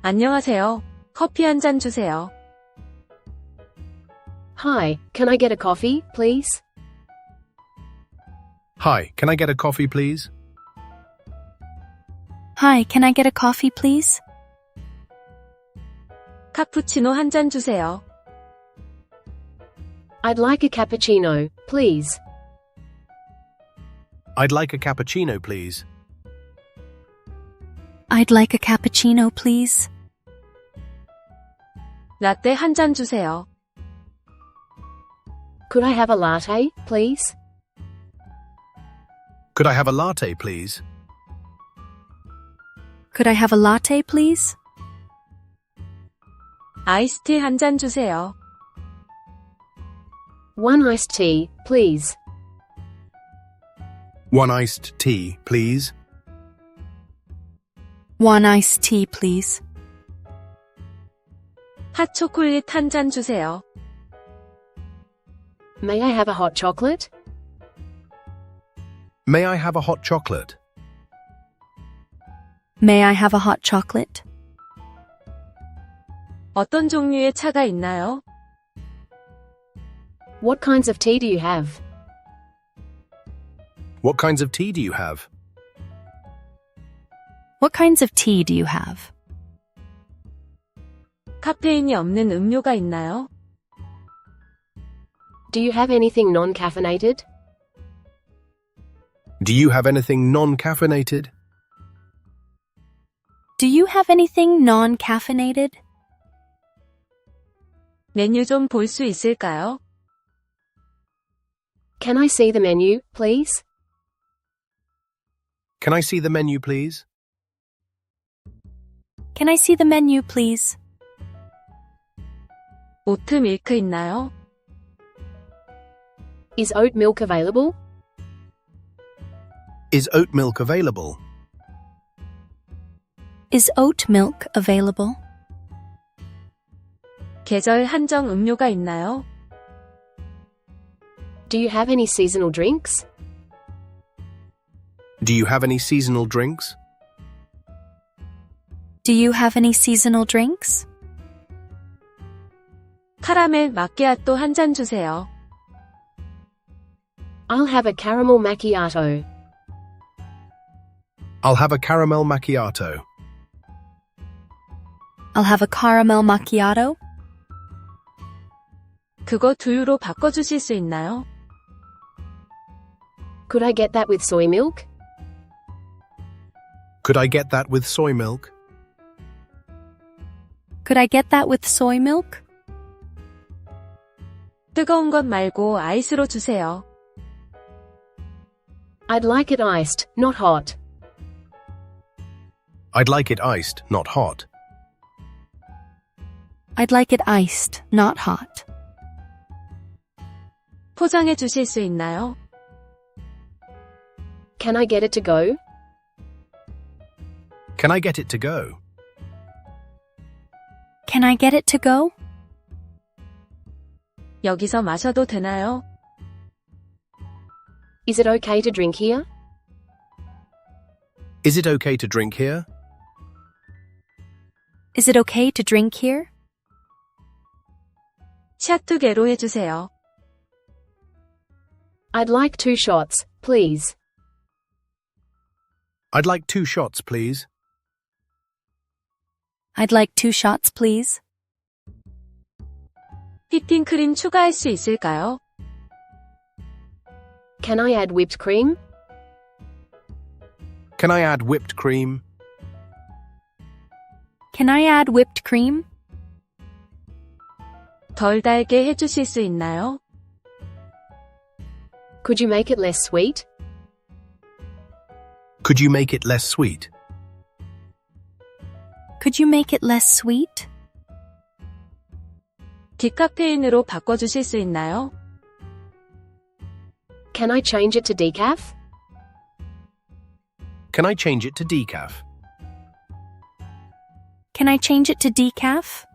안녕하세요. 커피 한 잔 주세요. Hi, can I get a coffee, please? Hi, can I get a coffee, please? Hi, can I get a coffee, please? 카푸치노 한 잔 주세요. I'd like a cappuccino, please. I'd like a cappuccino, please. I'd like a cappuccino, please. 라떼 한 잔 주세요. Could I have a latte, please? Could I have a latte, please? Could I have a latte, please? 아이스티 한 잔 주세요. One iced tea, please. One iced tea, please. One iced tea, please. 핫초콜릿 한 잔 주세요. May I have a hot chocolate? May I have a hot chocolate? May I have a hot chocolate? 어떤 종류의 차가 있나요? What kinds of tea do you have? What kinds of tea do you have? What kinds of tea do you have? 카페인이 없는 음료가 있나요? Do you have anything non-caffeinated? Do you have anything non-caffeinated? Do you have anything non-caffeinated? 메뉴 좀 볼 수 있을까요? Can I see the menu, please? Can I see the menu, please? Can I see the menu, please? 오트 밀크 있나요? Is oat milk available? Is oat milk available? Is oat milk available? 계절 한정 음료가 있나요? Do you have any seasonal drinks? Do you have any seasonal drinks? Do you have any seasonal drinks? 카라멜 마끼아또 한 잔 주세요. I'll have a caramel macchiato. I'll have a caramel macchiato. I'll have a caramel macchiato. 그거 두유로 바꿔주실 수 있나요? Could I get that with soy milk? Could I get that with soy milk? Could I get that with soy milk? 뜨거운 것 말고 아이스로 주세요. I'd like it iced, not hot. I'd like it iced, not hot. I'd like it iced, not hot. 포장해 주실 수 있나요? Can I get it to go? Can I get it to go? Can I get it to go? 여기서 마셔도 되나요? Is it okay to drink here? Is it okay to drink here? Is it okay to drink here? 샷 두 개로 해주세요. I'd like 2 shots, please. I'd like 2 shots, please. I'd like 2 shots, please. 휘핑크림 추가할 수 있을까요? Can I add whipped cream? Can I add whipped cream? Can I add whipped cream? 덜 달게 해주실 수 있나요? Could you make it less sweet? Could you make it less sweet? Could you make it less sweet? 디카페인으로 바꿔주실 수 있나요? Can I change it to decaf? Can I change it to decaf? Can I change it to decaf?